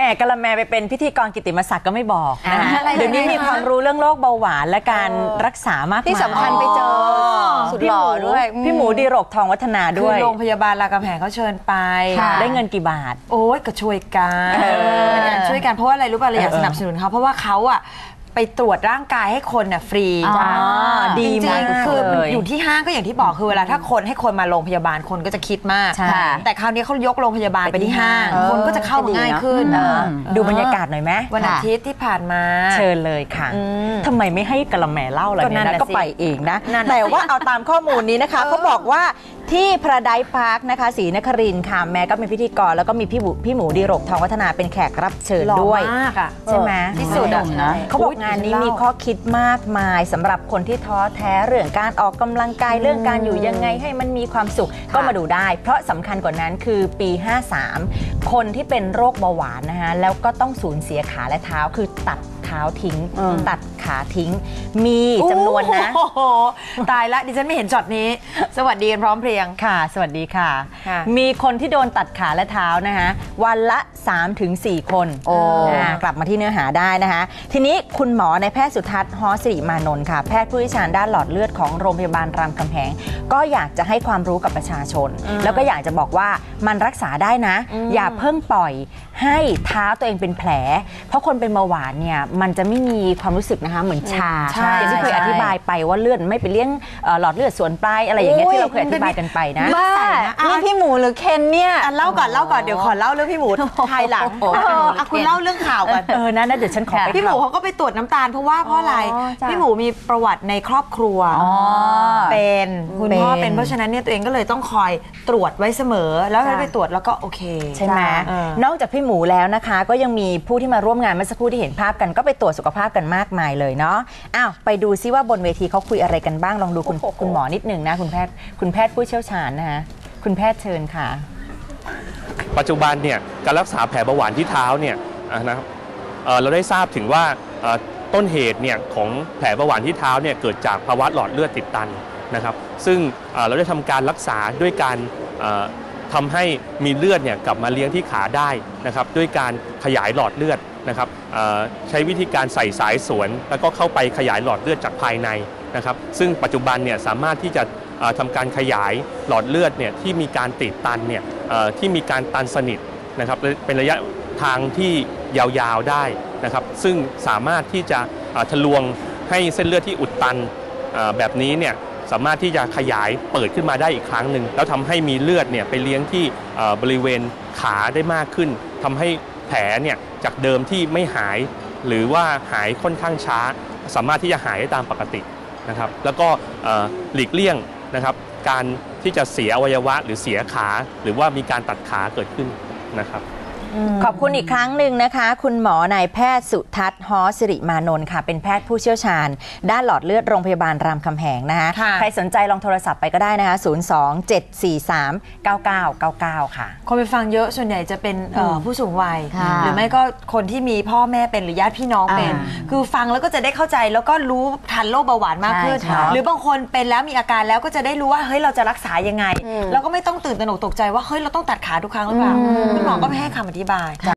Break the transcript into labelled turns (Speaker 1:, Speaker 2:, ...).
Speaker 1: กะละแมไปเป็นพิธีกรกิตติมศักดิ์ก็ไม่บอกนะเดี๋ยวนี้มีความรู้เรื่องโรคเบาหวานและการรักษามาก
Speaker 2: ที่สำคัญไปเจอสุดหล่อด้วย
Speaker 1: พี่หมูดีรกทองวัฒนาด้วย
Speaker 3: โรงพยาบาลรามคำแหงเขาเชิญไป
Speaker 1: ได้เงินกี่บาท
Speaker 3: โอ้ยก็ช่วยกันช่วยกันเพราะว่าอะไรรู้ป่ะเราอยากสนับสนุนเขาเพราะว่าเขาอะไปตรวจร่างกายให้คนน่ะฟรี
Speaker 1: ดีมาก
Speaker 3: คืออยู่ที่ห้างก็อย่างที่บอกคือเวลาถ้าคนให้คนมาโรงพยาบาลคนก็จะคิดมากแต่คราวนี้เขายกโรงพยาบาลไปที่ห้างคนก็จะเข้าง่ายขึ้น
Speaker 1: ดูบรรยากาศหน่อยไหม
Speaker 3: วันอาทิตย์ที่ผ่านมา
Speaker 1: เชิญเลยค่ะทำไมไม่ให้กะละแมเล่าอะไรเนี่ยนะก็ไปเองนะแต่ว่าเอาตามข้อมูลนี้นะคะเขาบอกว่าที่พระไดพาร์คนะคะศรีนครินทร์ค่ะแม่ก็เป็นพิธีกรแล้วก็มีพี่หมูดีรกทองวัฒนาเป็นแขกรับเชิญด้วยใช่ไหม
Speaker 3: ที่สุดนะ
Speaker 1: เขาบอกงานนี้มีข้อคิดมากมายสำหรับคนที่ท้อแท้เรื่องการออกกำลังกายเรื่องการอยู่ยังไงให้มันมีความสุขก็มาดูได้เพราะสำคัญกว่านั้นคือปี53คนที่เป็นโรคเบาหวานนะคะแล้วก็ต้องสูญเสียขาและเท้าคือตัดเท้าทิ้งตัดขาทิ้งมีจำนวนนะ
Speaker 3: ตายละดิฉันไม่เห็นช็อตนี้สวัสดีกันพร้อมเพรียง
Speaker 1: ค่ะสวัสดีค่ะมีคนที่โดนตัดขาและเท้านะคะวันละ 3-4 คนกลับมาที่เนื้อหาได้นะคะทีนี้คุณหมอในแพทย์สุทัศน์ฮอสิริมานนท์ค่ะแพทย์ผู้เชี่ยวชาญด้านหลอดเลือดของโรงพยาบาลรามคำแหงก็อยากจะให้ความรู้กับประชาชนแล้วก็อยากจะบอกว่ามันรักษาได้นะอย่าเพิ่งปล่อยให้เท้าตัวเองเป็นแผลเพราะคนเป็นเบาหวานเนี่ยมันจะไม่มีความรู้สึกนะคะเหมือนชาอย่างที่เคยอธิบายไปว่าเลือดไม่ไปเลี้ยงหลอดเลือดส่วนปลายอะไรอย่างเงี้ยที่เราเคยอธิบายกันไปนะ
Speaker 2: นี่พี่หมูหรือเคนเนี่ย
Speaker 3: เล่าก่อนเดี๋ยวขอเล่าเรื่องพี่หมูภายหลังคุณเล่าเรื่องข่าวก่อน
Speaker 1: นะเดี๋ยวฉันขอไป
Speaker 3: พี่หมูเขาก็ไปตรวจน้ำตาลเพราะอะไรพี่หมูมีประวัติในครอบครัวเป็นคุณพ่อเป็นเพราะฉะนั้นเนี่ยตัวเองก็เลยต้องคอยตรวจไว้เสมอแล้วไปตรวจแล้วก็โอเค
Speaker 1: ใช่ไหมนอกจากพี่หมูแล้วนะคะก็ยังมีผู้ที่มาร่วมงานเมื่อสักครู่ที่เห็นภาพกันก็ไปตรวจสุขภาพกันมากมายเลยเนาะไปดูซิว่าบนเวทีเขาคุยอะไรกันบ้างลองดูคุณหมอนิดหนึ่งนะคุณแพทย์ผู้เชี่ยวชาญนะคะคุณแพทย์เชิญค่ะ
Speaker 4: ปัจจุบันเนี่ยการรักษาแผลเบาหวานที่เท้าเนี่ยนะครับเราได้ทราบถึงว่าต้นเหตุเนี่ยของแผลเบาหวานที่เท้าเนี่ยเกิดจากภาวะหลอดเลือดติดตันนะครับซึ่งเราได้ทำการรักษาด้วยการทำให้มีเลือดเนี่ยกลับมาเลี้ยงที่ขาได้นะครับด้วยการขยายหลอดเลือดนะครับใช้วิธีการใส่สายสวนแล้วก็เข้าไปขยายหลอดเลือดจากภายในนะครับซึ่งปัจจุบันเนี่ยสามารถที่จะทำการขยายหลอดเลือดเนี่ยที่มีการติดตันเนี่ยที่มีการตันสนิทนะครับเป็นระยะทางที่ยาวๆได้นะครับซึ่งสามารถที่จะทะลวงให้เส้นเลือดที่อุดตันแบบนี้เนี่ยสามารถที่จะขยายเปิดขึ้นมาได้อีกครั้งหนึ่งแล้วทำให้มีเลือดเนี่ยไปเลี้ยงที่บริเวณขาได้มากขึ้นทำให้แผลเนี่ยจากเดิมที่ไม่หายหรือว่าหายค่อนข้างช้าสามารถที่จะหายได้ตามปกตินะครับแล้วก็หลีกเลี่ยงนะครับการที่จะเสียอวัยวะหรือเสียขาหรือว่ามีการตัดขาเกิดขึ้นนะครับ
Speaker 1: ขอบคุณอีกครั้งหนึ่งนะคะคุณหมอนายแพทย์สุทัศน์ฮอสิริมานนท์ค่ะเป็นแพทย์ผู้เชี่ยวชาญด้านหลอดเลือดโรงพยาบาลรามคำแหงนะคะใครสนใจลองโทรศัพท์ไปก็ได้นะคะ02-743-9999ค่ะ
Speaker 3: คนไปฟังเยอะส่วนใหญ่จะเป็นผู้สูงวัยหรือไม่ก็คนที่มีพ่อแม่เป็นหรือญาติพี่น้องเป็นคือฟังแล้วก็จะได้เข้าใจแล้วก็รู้ทันโรคเบาหวานมากขึ้นหรือบางคนเป็นแล้วมีอาการแล้วก็จะได้รู้ว่าเฮ้ยเราจะรักษายังไงแล้วก็ไม่ต้องตื่นตระหนกตกใจว่าเฮ้ยเราต้องตัดขาทุกครั้งหรือเปล่าคุณหมอก็ไม่ให้คำอธิบาย